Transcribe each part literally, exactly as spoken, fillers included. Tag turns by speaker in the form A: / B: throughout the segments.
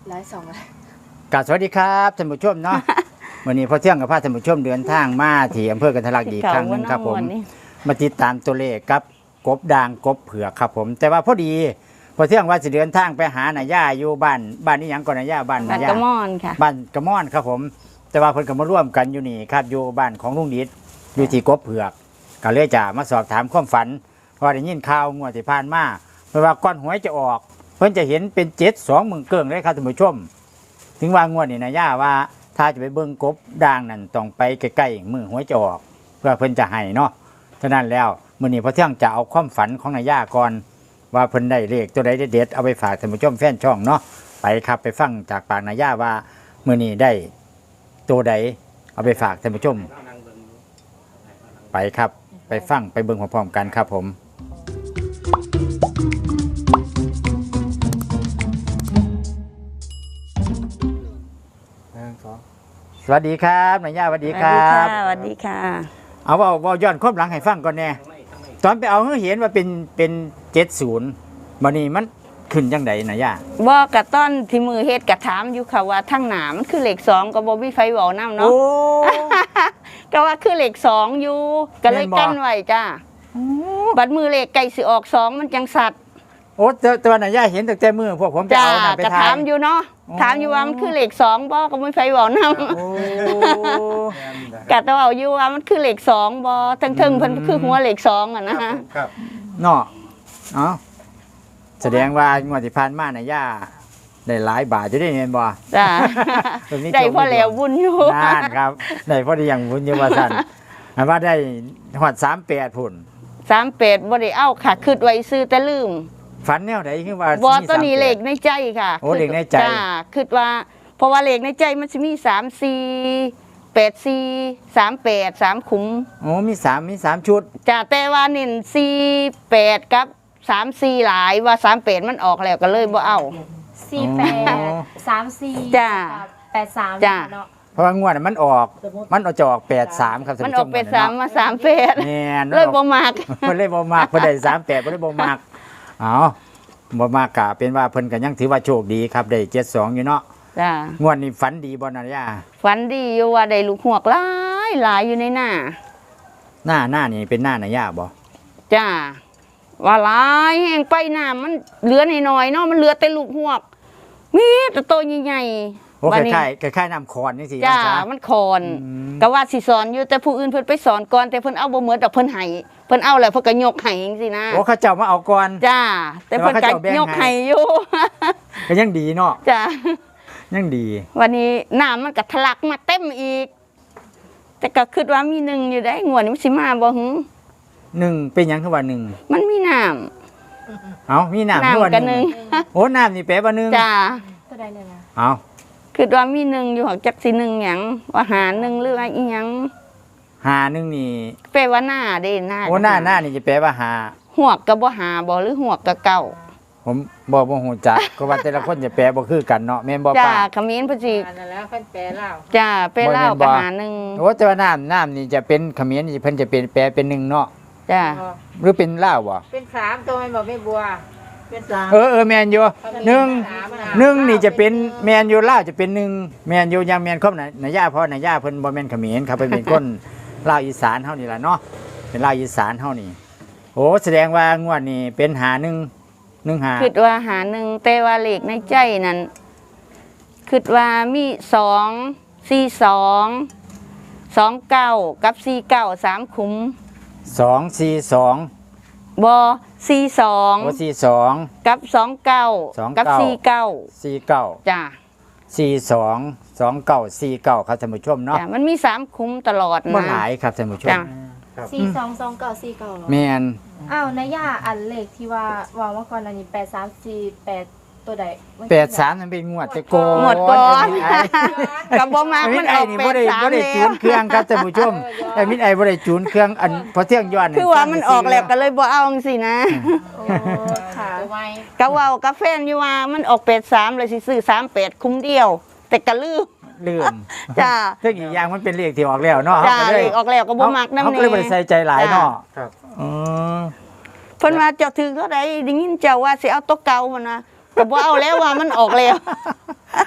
A: ไลฟ์สองเลย
B: กราบสวัสดีครับท่านผู้ชมเนาะ วันนี้พอเที่ยงกับพาท่านผู้ชมเดินทางมาที่อำเภอกันทะลักอีกครั้งหนึงครับผมมาติดตามตัวเลขกับกบด่างกบเผือกครับผมแต่ว่าพอดีพอเที่ยงว่าจะเดินทางไปหาหน่าย่าอยู่บ้านบ้านนี้ยังก่อนหน่าย่าบ้านห
A: บ้า
B: น่าน ย่าก
A: ระมอนค่ะ
B: บ้านกระม่อนครับผมแต่ว่าเพิ่นก็มาร่วมกันอยู่นี่ครับอยู่บ้านของลุงดิษอยู่ที่กบเผือกก็เลยจะมาสอบถามความฝันเพราะได้ยินข่าวงวดที่ผ่านมาเพราะว่าก้อนหวยจะออกเพิ่นจะเห็นเป็นเจ็ดสองหมื่นเกิ่งเลยครับท่านผู้ชมถึงว่างวดนี่หน่าย่าว่าถ้าจะไปเบิ่งกบด่างนั่นต้องไปใกล้ๆมือหวยจะออกเพื่อเพิ่นจะให้เนาะฉะนั้นแล้วมื้อนี้พอเที่ยงจะเอาความฝันของนายย่าก่อนว่าเพิ่นได้เลขตัวใดเด็ดๆเอาไปฝากท่านผู้ชมแฟนช่องเนาะไปครับไปฟังจากปากนายย่าว่ามื้อนี้ได้ตัวใดเอาไปฝากท่านผู้ชมไปครับไปฟังไปเบิ่งพร้อมๆกันครับผมสวัสดีครับนายย่าสวัสดีครับ
A: สวัสดีค่ะ
B: เอาว่าว่าย้อนความหลังให้ฟังก่อนแน่ตอนไปเอาเห็นว่าเป็นเป็นเจ็ดศูนย์บัดนี้มันขึ้นจังไดนายย่า
A: บอกกะต้นที่มือเฮ็ดกะถามอยู่ค่ะว่าทั้งหนามันคือเหล็กสองก็บ่มีไฟเว้านำเนาะก็ว่าคือเหล็กสองอยู่ก็เลยกั้นไว้จ้าบัดมือเหล็กไก่สิออกสองมันจังสัตว์
B: โอ้แต่ว่านายย่าเห็นตั้งแต่มือพวกผมจะเอาน่ะไป
A: ถามอยู่เนาะถามอยู่ว่ามันคือเหล็กสองบ่ก็ไม่ไฟเว้านำกะต้องเอาอยู่ว่ามันคือเหล็กสองบ่ทั้งๆเพิ่นคือหัวเหล็กสองอ่ะนะฮะ
B: ครับเนาะเอ้าแสดงว่างวดที่ผ่านมานายย่าได้หลายบาทอยู่ได้เงินบ่
A: จ้าได้พอแล้วบุญอยู่
B: นั่นครับได้พอได้อย่างบุญอยู่ว่าซั่นอันว่าได้ฮอดสามแปดพุ่น
A: สามแปดบ่ได้เอาค่ะคิดไว้ซื้อแต่ลืม
B: ฝันแนวไหนคือว่า
A: บ่ตัวนี้เลขในใจค่ะ
B: โอ้เลขในใจ
A: จ้าคิดว่าเพราะว่าเลขในใจมันสิมีสาม สี่ แปด สี่ สาม แปด สามขุม
B: โอ้มีสามมีสามชุด
A: จ้าแต่ว่าเน้นสี่ แปดกับสาม สี่หลายว่าสาม แปดมันออกแล้วก็เลยบ่เอา
C: สี่ แปด สาม สี่
A: จ้า
C: แปด สาม
A: จ้า
B: เพราะว่างวดมันออกมันจะออกแปด สามครับ
A: มันออกแปด สามมาสาม แปด
B: แม่น
A: เลยบ่มัก
B: เพิ่นเลยบ่มักเพิ่นได้สาม แปดเพิ่นเลยบ่มักเอ้าบ่มากกะเป็นว่าเพิ่นก็ยังถือว่าโชคดีครับได้เจ็ดสองอยู่เนาะ
A: จ้าง
B: วดนี้ฝันดีบ่นายา
A: ฝันดีอยู่ว่าได้ลูกหวกหลายหลายอยู่ในหน้า
B: หน้าหน้านี่เป็นหน้านายาบ่
A: จ้าว่าหลายแห้งไปหน้ามันเหลือน้อยๆเนาะมันเหลือแต่ลูกหวกมีแต่โตใหญ่
B: ๆโอ้คล้ายๆคล้ายๆน้ำคอนนี่สิ
A: จ้ามันคอนก็ว่าสิสอนอยู่แต่ผู้อื่นเพิ่นไปสอนก่อนแต่เพิ่นเอาบ่เหมือนดอกเพิ่นให้เพิ่นเอาแล้วเพิ่นก็ยกให้จังซี่นะ
B: โอ้เขาเจ้ามาเอาก่อน
A: จ้าแต่เพิ่นก็ยกให้อยู่
B: ก็ยังดีเนาะ
A: จ้า
B: ยังดี
A: วันนี้น้ำมันก็ทะลักมาเต็มอีกแต่ก็คิดว่ามีหนึ่งอยู่ได้งวดนี้มันสิมาบ่หึ
B: หนึ่งเป็นหยังคือว่าหนึ่ง
A: มันมีน้
B: ำเอ้ามีน้ำคือว่าหนึ่งโอ้น้ำนี่แปลว่าหนึ่ง
A: จ้า
C: ตัวใดเลยนะ
B: เอ้า
A: คิดว่ามีหนึ่งอยู่หักจักสิหนึ่งหยังว่าหาหนึ่งหรือว่าอีหยัง
B: หาหนึ่งนี่
A: แปลว่าหน้าเด้หน้า
B: โอ้หน้าหน้านี่จะแปลว่าหา
A: หัวกก็บ่หาบ่หรือหัวกก็เก่า
B: ผมบ่บ่ฮู้จักก็ว่าแต่ละคนจะแปลบ่คือกันเนาะแม่นบ่ป้า
A: จ้าเขมิ้นพุ่นสิ
C: นั่นแล้วเพิ่นแปลลาว
A: จ้าแปลลาวก็หาหนึ่ง
B: โอ้แต่ว่าน้ำน้ำนี่จะเป็นเขมิ้นนี่เพิ่นจะเป็นแปลเป็นหนึ่งเนาะ
A: จ้า
B: หรือเป็นลาวบ่
C: เป็นสามตัวแม่นบ่แม่บัวเป็นสาม
B: เออเออแม่นอยู่หนึ่งหนึ่งนี่จะเป็นแม่นอยู่ลาวจะเป็นหนึ่งแม่นอยู่ยังแม่นครบน่ะนายาพ่อนายาเพิ่นบ่แม่นเขมิ้นครับเพิ่นเป็นคนลาวอีสานเฮานี่ล่ะเนาะเป็นลาวอีสานเฮานี่โอ้แสดงว่างวดนี้เป็นหาหนึ่งหนึ่งหา
A: คิดว่าหาหนึ่งแต่ว่าเลขในใจนั้นคิดว่ามีสองสี่สองสองเก้ากับสี่เก้าสามขุม
B: สองสี่สอง
A: บอสี่สอง
B: โอ้สี่สอง
A: กับสองเก้ากับสี่เก้า
B: สี่เก้า
A: จ้า
B: สี่สองสองเก้าสี่เก้าครับท่านผู้ชมเนาะ
A: มันมีสามขุมตลอดนะ
B: บ่หลายครับท่านผู้ชม
C: สี่สองสองเก้าสี่เก้า
B: แม่น
C: อ้าวนายย่าอันเลขที่ว่าว่าเมื่อก่อนอันนี้แปด สาม สี่ แปดตัวใด
B: แปด สามมันเป็นงวดแต่โก
A: งวดก่อนกับบ่มากมันออกแปด สาม
B: บ่ได้จูนเครื่องครับท่านผู้ชมแต่มิตรไอ้บ่ได้จูนเครื่องอันพอเที่ยงย้อน
A: คือว่ามันออกแล้วก็เลยบ่เอาจังซี่นะ
C: ค่ะ
A: ก็เว้ากับแฟนอยู่ว่ามันออกแปด สามเลยสิซื้อสามแปดคุ้มเดียวแต่ก็ลืม
B: ลืม
A: จ้า
B: เรื่องอีกอย่างมันเป็นเลขที่ออกแล้วเนาะ
A: จ้าเลขออกแล้วก็บ่มักนำแน่
B: เขาก็เลยบ่ได้ใส่ใจหลายเนาะครับอ๋อ
A: เพิ่นว่าเจ้าถือเท่าใดได้ยินเจ้าว่าสิเอาตัวเก่ามันนะก็บ่เอาแล้วว่ามันออกแล้ว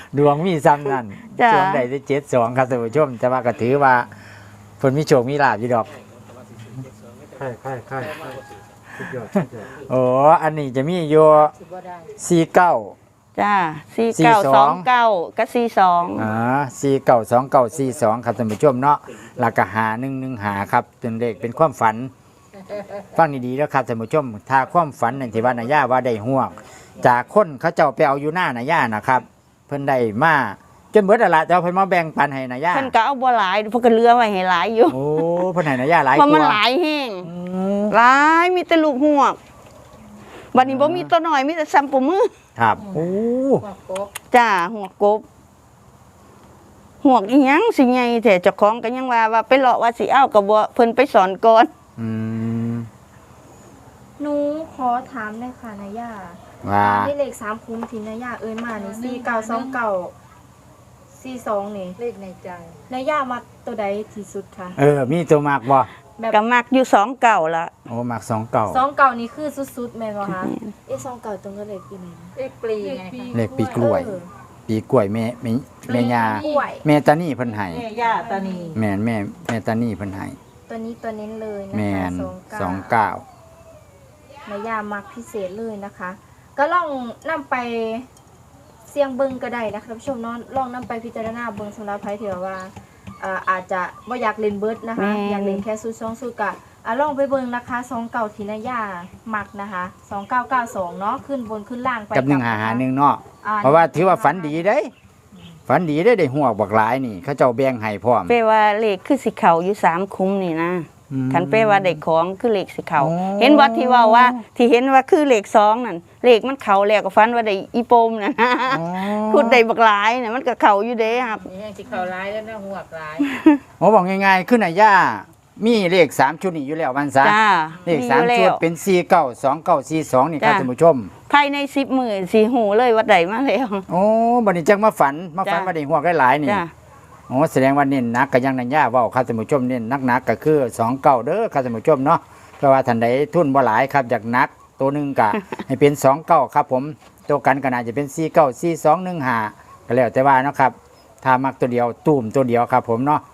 B: ดวงมีซ้ำนั่น
A: จ้ะ
B: ช่วงใดได้เจ็ดสองครับท่านผู้ชมแต่ว่าก็ถือว่าเพิ่นมีโชคมีลาภอยู่ดอก
D: ใช่ใช่ใช่สุดยอดสุดยอด
B: โอ้อันนี้จะมีอยู่สี่เก้า
A: จ้าสี่เก้าสองเก้าก็สี่สอง
B: อ่าสี่เก้าสองเก้าสี่สองครับท่านผู้ชมเนาะแล้วก็หาหนึ่งหนึ่งหาครับเป็นเลขเป็นความฝัน ฟังดีๆแล้วครับท่านผู้ชม ถ้าความฝันนั่นที่ว่านายาว่าได้ห่วง จากคนเขาเจ้าไปเอาอยู่หน้านายานะครับ เพิ่นได้มาจนเบิดอะละแต่ว่าเพิ่นมาแบ่งปันให้นายา
A: เพิ่นก็เอาบ่หลายเพิ่นก็เหลือไว้ให้หลายอยู่
B: โอ้เพิ่นให้นายาหลาย
A: เพราะ
B: ก
A: มัน
B: ว่า
A: หลายแห้ง
B: อืม
A: หลายมีแต่ลูกหวกบัดนี้บ่มีตัวน้อยมีแต่ซ้ำปูมือ
B: ครับโอ้
A: จ้าหัวกบหัวกอีหยังสิใหญ่แต่เจ้าของก็ยังว่าว่าไปเลาะว่าสิเอาก็บ่เพิ่นไปสอนก่อน
B: อืม
C: หนูขอถามได้ค่ะนายา
B: ว่า
C: ได้เลขสามคุ้มที่นายาเอิ้นมานี่สี่เก้าสองเก้าสี่สองนี่
E: เลขในใจ
C: นายามักตัวใดที่สุดคะ
B: เออมีตัวมากบ่
C: แบบ
A: ก็มักอยู่สองเก่าละ
B: โอ้มากสองเก่า
C: สองเก่านี่คือสุดๆแม่นบ่คะเอ๊ะสองเก่าตรงกับเลขปีไหนนะ
E: เลขปลีไงคะ
B: เลขปีกล้วย
C: เออ
B: ปีกล้วยแม่แม่แม่ยา
C: กล้วย
B: แม่ตานี่เพิ่นให้
E: แม่ย่าตานี
B: แม่นแม่แม่ตานี่เพิ่นให้
C: ตัวนี้ตัวเน้นเลยนะ
B: แม่
C: คะ
B: น
C: ส
B: ส
C: อ
B: อง ง
C: เก้า
B: เก้า
C: นายามักพิเศษเลยนะคะ ก็ลองนำไปเสี่ยงเบิ่งก็ได้นะคะท่านผู้ชมเนาะลองนำไปพิจารณาเบิ่งสำหรับใครที่ว่าเอ่ออาจจะบ่อยากเล่นเบิดนะคะ อยากเล่นแค่สูตรสองสูตรกะอ่ะลองไปเบิ่งนะคะสองเก่าที่นายามักนะคะสองเก้าเก้าสองเนาะขึ้นบนขึ้นล่างไป
B: กับหนึ่งหาหาหนึ่งเนาะ
C: อ่
B: เพราะว่าถือว่าฝันดีเด้ฝันดีได้ได้หัวบักหลายนี่ เขาเจ้าแบ่งให้พร้อม
A: เป้ว่าเลขคือสิเขาอยู่สามคุ้มนี่นะ
B: อืม
A: คันเป้ว่าได้ของคือเลขสิเขา
B: อ๋อ
A: เห็นว่าที่ว่าว่า ที่เห็นว่าคือเลขสองนั่นเลขมันเขาแล้วก็ฟันว่าได้อีโปมนั่นนะ
B: อ๋อ
A: พูดได้บักหลายน่ะมันก็เขาอยู่เด้ครับ
E: นี่ยังสิเขาร้ายแล้วนะหัวกร้าย
B: ผมบอกง่ายๆขึ้นนายย่ามีเลขสามชุดนี่อยู่แล้วมันซะ
A: จ้า
B: เลขสามชุดเป็นสี่เก้าสองเก้าสี่สองนี่ครับ
A: จ้ะ
B: ท่านผู้ชม
A: ภายในสิบหมื่นสีหูเลยวัดใดมาแล้ว
B: โอ้บัดนี้จังมาฝันมาฝัน
A: จ้ะ
B: มาได้หัวได้หลายนี่
A: จ้า
B: โอ้แสดงว่าเน้นหนักก็ยังนายย่าเว้าครับท่านผู้ชมเน้นนักๆก็คือสองเก้าเด้อครับท่านผู้ชมเนาะเพราะว่าท่านใดทุนบ่หลายครับอยากหนักตัวหนึงก็ ให้เป็นสองเก้าครับผมตัวกันก็น่าจะเป็นสี่เก้าสี่สองหนึ่งห้าก็แล้วแต่ว่าเนาะครับถ้ามักตัวเดียวตูมตัวเดียวครับผมเนาะ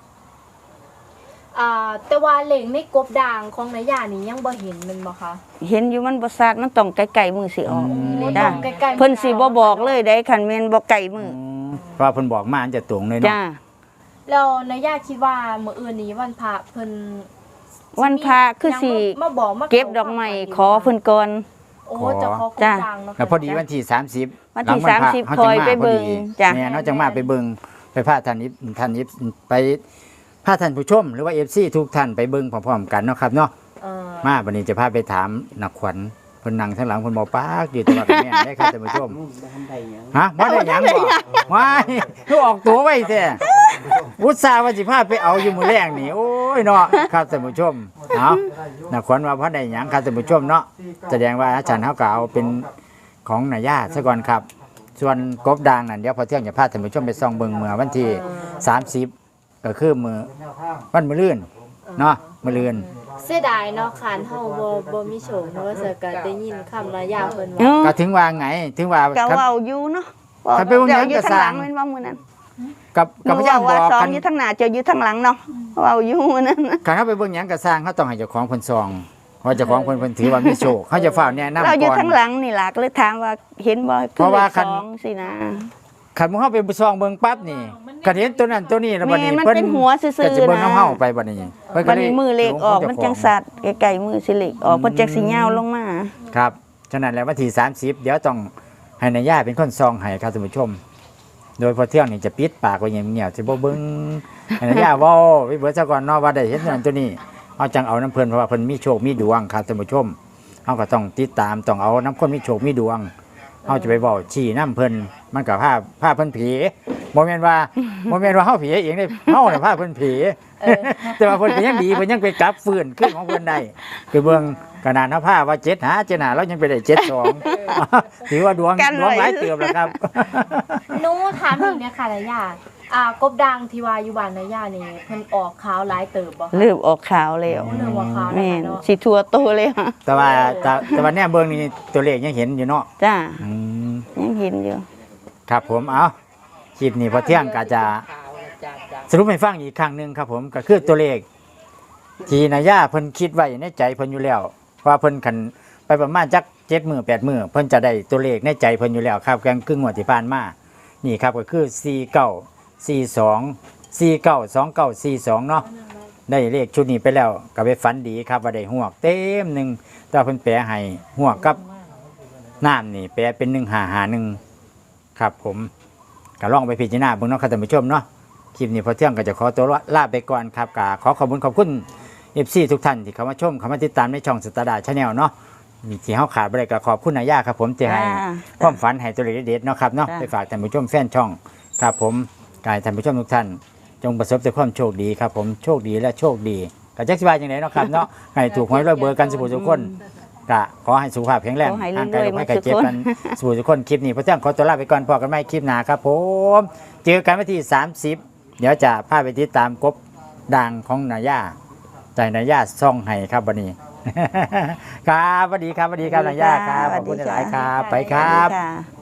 C: อ่าแต่ว่าเลขในกบด่างของนายานี่ยังบ่เห็นแมันบ่คะ
A: เห็นอยู่มันบ่ซาดมันต้องไกลๆมือสิออก
C: โอ้
A: จ้า
C: ต้องใกล้ๆ
A: เพิ่นสิบ่บอกเลยได้คันแม่นบ่ไกลมือ
B: เพราะว่าเพิ่นบอกมาอันจะตรงเลยเนาะ
A: จ้า
C: แล้วนายาคิดว่ามื้ออื่นนี้วันพระเพิ่น
A: วันพระคือสิ
C: ยังมาบอกมา
A: เก็บดอกไม้ขอเพิ่นก่อน
C: โอ้จะขอกบ
A: จ้ะ
C: ด่างเนาะ
B: แล้วพอดีวันที่สามสิบ
A: วันที่
B: หลังพระ
A: สามสิบ
B: เฮา
A: คอย
B: จังมา
A: ไปเบิ่ง
B: พอดี
A: จ้ะ
B: แม่เนาะจังมาไปเบิ่งไปพาท่านนี้ท่านนี้ไปพาท่านผู้ชม หรือว่า เอฟ ซี ทุกท่านไปเบิ่งพร้อมๆกันเนาะครับเนาะ
C: เออ
B: มาวันนี้จะพาไปถามนักขวัญเพิ่นนั่งข้างหลังเพิ่นบ่ปากอยู่แตัวาเป็นแม่นได้ครับท่านผู้ชมฮะบ่ได้หยังบ่ว้ายคือออกตัวไว้แท้อุตส่าห์ว่าสิพาไปเอาอยู่มื้อแรกนี่โอ้ยเนาะครับท่านผู้ชมเนาะนักขวัญว่าบ่ได้หยังครับท่านผู้ชมเนาะแสดงว่าอาจารย์เฮาก็เอาเป็นของนายาซะก่อนครับ ส่วนกบดางนั่นเดี๋ยวพอเที่ยงจะพาท่านผู้ชมไปส่องเบิ่งเมื่อวันที่สามสิบก็คือมือวันมื้อลื่นเนาะมื้อลื่น
C: เสียดายเนาะคานเฮาบ่บ่มีโชคเนาะว่าจะก็ได้ยินคำนายาเพิ่น
A: เอ
C: ว่า
A: อ
B: ก็ถึงว่าไงถึงว่า
A: ก็
B: ครับ
A: เว้าอยู่เนาะ
B: ถ้าไปวง
A: เดี๋ยว
B: นั้น
A: อยู่
B: ก็
A: ทางหลัง
B: สร้าง
A: แม่นว่ามื้อนั้น
B: กับกับพยายามบ
A: ว่า
B: อก
A: สอง
B: กัน
A: อยู่ทางหน้าเจ้าอยู่ทางหลังเนาะเว้าอยู่มื้อนั้น
B: คันเฮาไปเบิ่งหยังก็สร้างเขาต้องให้เจ้าของเพิ่นซองว่าเจ้าของเพิ่นเพิ่นถือว่ามีโชคเขาจะฟ้าวแนะนำ
A: เราอยู่
B: ก่อน
A: ทางหลังนี่ล่ะก็เลยถามว่าเห็นบ่
B: เพราะว่าคั
A: คั
B: น
A: นสินะ
B: คันมึงเฮาไปซองเบิ่งปั๊บนี่ก็เห็นตัวนั้นตัวนี้แล้วบัดนี้
A: แม่มัน
B: เพิ่น
A: เป็นหัวซื่อๆ
B: ก็จะเบิ่ง
A: นะ
B: น้ำเฮาไปบัดนี้เพิ่นก็
A: วัน
B: เลย
A: นี้มือเล็กออกมันจังสัตว์ไกลๆมือสิเล็กออกมันจังสิยาวลงมา
B: ครับฉะนั้นแล้ววันที่สามสิบเดี๋ยวต้องให้นายย่าเป็นคนซองให้ครับท่านผู้ชม โดยพอเที่ยงนี่จะปิดปากไว้อย่างเงียบสิบ่เบิ่งให้นายย่าเว้าไปเบิดซะก่อนเนาะว่าได้เห็นตัวนั้นตัวนี้เอาจังเอาน้ำเพิ่นเพราะว่าเพิ่นมีโชคมีดวงครับท่านผู้ชมเฮาก็ต้องติดตามต้องเอาน้ำคนมีโชคมีดวงเฮาจะไปเว้าชี้น้ำเพิ่นมันก็พาพาเพิ่นผีบ่แม่นว่าบ่แม่นว่าเฮาผีเองเด้เฮาน่ะพาเพิ่นผี แต่ว่าเพิ่นก็ยังดีเพิ่นยังไปกลับฟื้นขึ้นของเพิ่นได้คือเบิ่งขนาดเฮาพาว่าเจ็ดหาเจ็ดหาแล้วยังไปได้เจ็ดสอง ถือว่าดวง
A: กัน
B: ดวง
A: ไว้
B: หลายเติบแล้วครับ
C: หนูถามอีกเนี่ยค่ะนายาอ่ากบด่างที่ว่าอยู่บ้านนายานี่เพิ่นออกขาวหลายเติบบ่คะ
A: เริ่มออกขาวแล้ว
C: เริ่มออกขาวแล้ว
A: แม่น
C: เนาะ
A: สิทั่วโตเลยฮะ
B: แต่ว่าแต่แต่ว่าเนี่ยเบิ่งนี่ตัวเลขยังเห็นอยู่เนาะ
A: จ้า
B: อืม
A: ยังเห็นอยู่
B: ครับผมเอาคลิปนี้พอเที่ยงก็จะสรุปให้ฟังอีกครั้งหนึงครับผมก็คือตัวเลขที่นายาเพิ่นคิดไว้ในใจเพิ่นอยู่แล้วว่าเพิ่นคันไปประมาณจักเจ็ดมื้อแปดมื้อเพิ่นจะได้ตัวเลขในใจเพิ่นอยู่แล้วครับแกงครึ่งงวดที่ผ่านมานี่ครับก็คือสี่เก้า สี่สอง สี่เก้า สองเก้า สี่สองเนาะได้เลขชุดนี้ไปแล้วก็ไปฝันดีครับว่าได้หวกเต็มหนึงแต่เพิ่นแปลให้หวกกับน้ำนี่แปลเป็นหนึ่งห้าห้าหนึ่งครับผมก็ลองไปพิจารณาเบิ่งเนาะครับท่านผู้ชมเนาะคลิปนี้พอเที่ยงก็จะขอตัวลาไปก่อนครับก็ขอขอบคุณขอบคุณ เอฟ ซี ทุกท่านที่เข้ามาชมเข้ามาติดตามในช่องสตาร์ดาชาแนลเนาะมีที่เฮาขาดบ่ได้ก็ขอบคุณนายาครับผมที่ให้
A: จ้า
B: ความฝันให้ตัวเลขเด็ดๆเนาะครับเนาะ
A: จ้า
B: ไปฝากท่านผู้ชมแฟนช่องครับผมกายท่านผู้ชมทุกท่าน จงประสบแต่ความโชคดีครับผมโชคดีและโชคดีก็จักสิว่าจังไดเนาะครับเนาะให้ถูกหวยรวยเบอร์กันสุขทุกคนก็ขอให้สุขภาพแข็งแรง
A: ขอให้
B: ร่างกาย
A: รวย
B: โรค
A: ๆ
B: ภัยไข้เจ็บ
A: หมดทุกคน
B: กันสู่ทุกคนคลิปนี้พระเจ้าขอตัวลาไปก่อนพอกันใหม่คลิปหน้าครับผมเจอกันวันที่สามสิบเดี๋ยวจะพาไปติดตามกบดังของนายาใจนายาซ่องให้ครับวันนี้ ครับสวัสดีครับสวัสดีครับนายาครับขอบคุณหลายๆครับไปครับ
A: ค่ะ